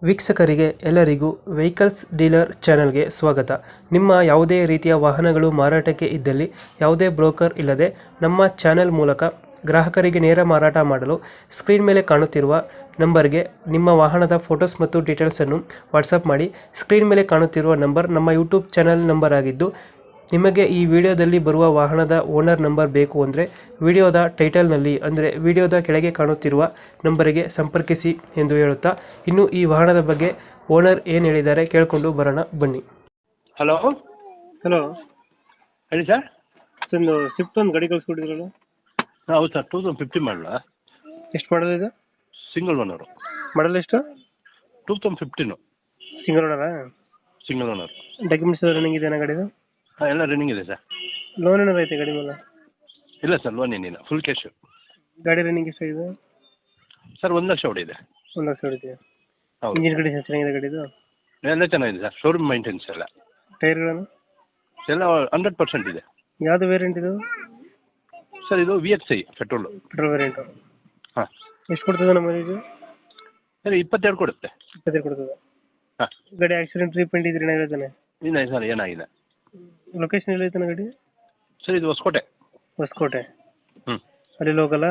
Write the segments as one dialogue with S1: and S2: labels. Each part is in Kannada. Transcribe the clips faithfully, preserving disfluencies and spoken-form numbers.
S1: ವೀಕ್ಷಕರಿಗೆ ಎಲ್ಲರಿಗೂ ವೆಹಿಕಲ್ಸ್ ಡೀಲರ್ ಚಾನೆಲ್ಗೆ ಸ್ವಾಗತ. ನಿಮ್ಮ ಯಾವುದೇ ರೀತಿಯ ವಾಹನಗಳು ಮಾರಾಟಕ್ಕೆ ಇದ್ದಲ್ಲಿ ಯಾವುದೇ ಬ್ರೋಕರ್ ಇಲ್ಲದೆ ನಮ್ಮ ಚಾನೆಲ್ ಮೂಲಕ ಗ್ರಾಹಕರಿಗೆ ನೇರ ಮಾರಾಟ ಮಾಡಲು ಸ್ಕ್ರೀನ್ ಮೇಲೆ ಕಾಣುತ್ತಿರುವ ನಂಬರ್ಗೆ ನಿಮ್ಮ ವಾಹನದ ಫೋಟೋಸ್ ಮತ್ತು ಡೀಟೇಲ್ಸನ್ನು ವಾಟ್ಸಪ್ ಮಾಡಿ. ಸ್ಕ್ರೀನ್ ಮೇಲೆ ಕಾಣುತ್ತಿರುವ ನಂಬರ್ ನಮ್ಮ ಯೂಟ್ಯೂಬ್ ಚಾನೆಲ್ ನಂಬರ್ ಆಗಿದ್ದು, ನಿಮಗೆ ಈ ವಿಡಿಯೋದಲ್ಲಿ ಬರುವ ವಾಹನದ ಓನರ್ ನಂಬರ್ ಬೇಕು ಅಂದರೆ ವಿಡಿಯೋದ ಟೈಟಲ್ನಲ್ಲಿ ಅಂದರೆ ವಿಡಿಯೋದ ಕೆಳಗೆ ಕಾಣುತ್ತಿರುವ ನಂಬರಿಗೆ ಸಂಪರ್ಕಿಸಿ ಎಂದು ಹೇಳುತ್ತಾ, ಇನ್ನು ಈ ವಾಹನದ ಬಗ್ಗೆ ಓನರ್ ಏನು ಹೇಳಿದ್ದಾರೆ ಕೇಳಿಕೊಂಡು ಬರೋಣ ಬನ್ನಿ.
S2: ಹಲೋ
S1: ಹಲೋ,
S2: ಹೇಳಿ ಸರ್.
S1: ಒಂದು ಸ್ವಿಫ್ಟ್ ಒಂದು ಗಾಡಿ ಕಳಿಸ್ಕೊಟ್ಟಿದ್ರಲ್ಲ?
S2: ಹೌದು ಸರ್, ಟೂ ತೌಸಂಡ್ ಫಿಫ್ಟಿ ಮಾಡಲ.
S1: ಎಷ್ಟು ಮಾಡಲ್ ಇದು?
S2: Single owner.
S1: ಮಾಡಲ್ ಎಷ್ಟು?
S2: Two thousand fifteen.
S1: ಸಿಂಗಲ್ ಓನರಾ?
S2: Single owner.
S1: ಡಾಕ್ಯುಮೆಂಟ್ಸ್ ರನ್ನಿಂಗ್ ಇದೆಯಾ ಗಾಡಿದು?
S2: ಹಾಂ, ಎಲ್ಲ ರನ್ನಿಂಗ್ ಇದೆ ಸರ್.
S1: ಲೋನ್ ಏನಾರು ಐತೆ ಗಾಡಿ ಮೇಲೆ?
S2: ಇಲ್ಲ ಸರ್, ಲೋನ್ ಏನಿಲ್ಲ, ಫುಲ್ ಕ್ಯಾಶು.
S1: ಗಾಡಿ ರನ್ನಿಂಗ್ ಎಷ್ಟಾಗಿದೆ?
S2: ಸರ್, ಒಂದು ಲಕ್ಷ ಹೊಡಿದೆ.
S1: ಒಂದು ಲಕ್ಷ ಹೊಡಿದೆಯಾ?
S2: ಹೌದು.
S1: ಇಂಜಿನ್ ಗಾಡಿ ಚೆನ್ನಾಗಿದೆ ಗಾಡಿದು?
S2: ಎಲ್ಲ ಚೆನ್ನಾಗಿದೆ ಸರ್, ಶೋರೂಮ್ ಮೈಂಟೆನ್ಸ್ ಎಲ್ಲ.
S1: ಟೈರ್ಗಳನ್ನು
S2: ಎಲ್ಲ ಹಂಡ್ರೆಡ್ ಪರ್ಸೆಂಟ್ ಇದೆ.
S1: ಯಾವುದು ವೇರಿಯಂಟ್ ಇದು?
S2: ಸರ್, ಇದು V X I petrol.
S1: Petrol variant.
S2: ಹಾಂ.
S1: ಎಷ್ಟು ಕೊಡ್ತದೆ ನಮ್ಮ ಇದು?
S2: ಸರ್, ಇಪ್ಪತ್ತೆರಡು ಕೊಡುತ್ತೆ.
S1: ಇಪ್ಪತ್ತೈದು ಕೊಡ್ತದೆ.
S2: ಹಾಂ.
S1: ಗಾಡಿ ಆಕ್ಸಿಡೆಂಟ್ ರೀಪೇಂಟ್ ಇದ್ರೆ ಏನಾಗಿರ್ತಾನೆ?
S2: ಇಲ್ಲ ಸರ್, ಏನಾಗಿದೆ.
S1: ಲೊಕೇಶನ್ ಎಲ್ಲ ಐತಾನೆ ಗಾಡಿ?
S2: ಸರ್, ಇದು ಹೊಸಕೋಟೆ.
S1: ಹೊಸಕೋಟೆ.
S2: ಹ್ಞೂ.
S1: ಅಲ್ಲಿ ಹೋಗಲ್ಲ?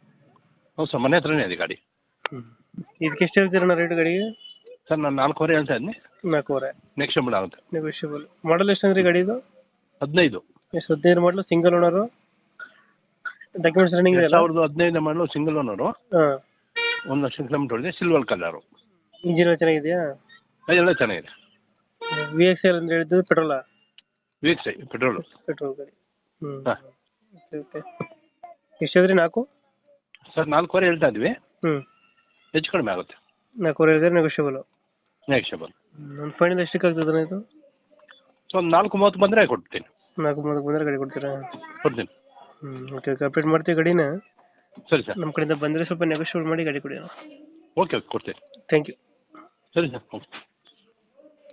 S2: ಹೌದು ಸರ್, ಮನೆ ಹತ್ರನೇ ಇದೆ ಗಾಡಿ.
S1: ಹ್ಞೂ. ಇದಕ್ಕೆ ಎಷ್ಟು ಹೇಳ್ತೀರಣ್ಣ ರೇಟ್ ಗಾಡಿಗೆ?
S2: ಸರ್, ನಾನು ನಾಲ್ಕೂವರೆ ಹೇಳ್ತಾ ಇದ್ದೀನಿ.
S1: ನಾಲ್ಕೂವರೆ
S2: ನೆಕ್ಸ್ಟ್ ಆಗುತ್ತೆ.
S1: ನೆಗೋಷಿಯಬಲ್. ಮಾಡಲ್ ಎಷ್ಟು ಅಂದ್ರೆ ಗಾಡಿದು?
S2: ಹದಿನೈದು.
S1: ಎಷ್ಟು? ಹದಿನೈದು ಮಾಡಲು, ಸಿಂಗಲ್ ಓನರು, ಡಾಕ್ಯುಮೆಂಟ್ಸ್ ರನ್ನಿಂಗ್ ಇದೆ?
S2: ಸಾವಿರದ ಹದಿನೈದು ಮಾಡಲು, ಸಿಂಗಲ್ ಓನರು.
S1: ಹಾಂ.
S2: ಒಂದು ಲಕ್ಷ ಕಿಲೋಮೀಟರ್ ಹೊಡಿದೆ, ಸಿಲ್ವರ್ ಕಲರು.
S1: ಇಂಜಿನ್ ಚೆನ್ನಾಗಿದೆಯಾ?
S2: ಎಲ್ಲ ಚೆನ್ನಾಗಿದೆ.
S1: ವಿ ಎಕ್ಸ್ ಐ ಅಂದ್ರೆ ಹೇಳಿದ್ದು ಪೆಟ್ರೋಲಾ?
S2: V X I petrol.
S1: Petrol ಗಾಡಿ. ಹ್ಞೂ.
S2: ಹಾಂ.
S1: ಓಕೆ. ಎಷ್ಟು ಹೇಳಿದ್ರಿ? ನಾಲ್ಕು?
S2: ಸರ್, ನಾಲ್ಕೂವರೆ ಹೇಳ್ತಾ ಇದ್ವಿ.
S1: ಹ್ಞೂ.
S2: ಹೆಚ್ಚು ಕಡಿಮೆ ಆಗುತ್ತೆ.
S1: ನಾಲ್ಕೂವರೆ ಹೇಳಿದ್ರೆ ನೆಗೋಷಿಯಬಲು.
S2: ನೆಕ್ಸ್ಟಬಲ್.
S1: ಒಂದು ಫೈನಲ್ ಎಷ್ಟಕ್ಕೆ ಆಗ್ತದೆ ಇದು?
S2: ಸೊ, ಒಂದು ನಾಲ್ಕು ಮೂವತ್ತು ಬಂದರೆ ಕೊಡ್ತೀನಿ.
S1: ನಾಲ್ಕು ಮೂವತ್ತು ಬಂದರೆ ಗಾಡಿ ಕೊಡ್ತೀರಾ?
S2: ಕೊಡ್ತೀನಿ.
S1: ಹ್ಞೂ. ಓಕೆ ಓಕೆ, ಅಪ್ಡೇಟ್ ಮಾಡ್ತೀವಿ ಗಾಡಿನ.
S2: ಸರಿ ಸರ್.
S1: ನಮ್ಮ ಕಡೆಯಿಂದ ಬಂದರೆ ಸ್ವಲ್ಪ ನೆಗೋಷಿಯೇಟ್ ಮಾಡಿ ಗಾಡಿ ಕೊಡಿ.
S2: ಓಕೆ ಓಕೆ, ಕೊಡ್ತೀನಿ.
S1: Thank you.
S2: ಸರಿ ಸರ್, ಓಕೆ.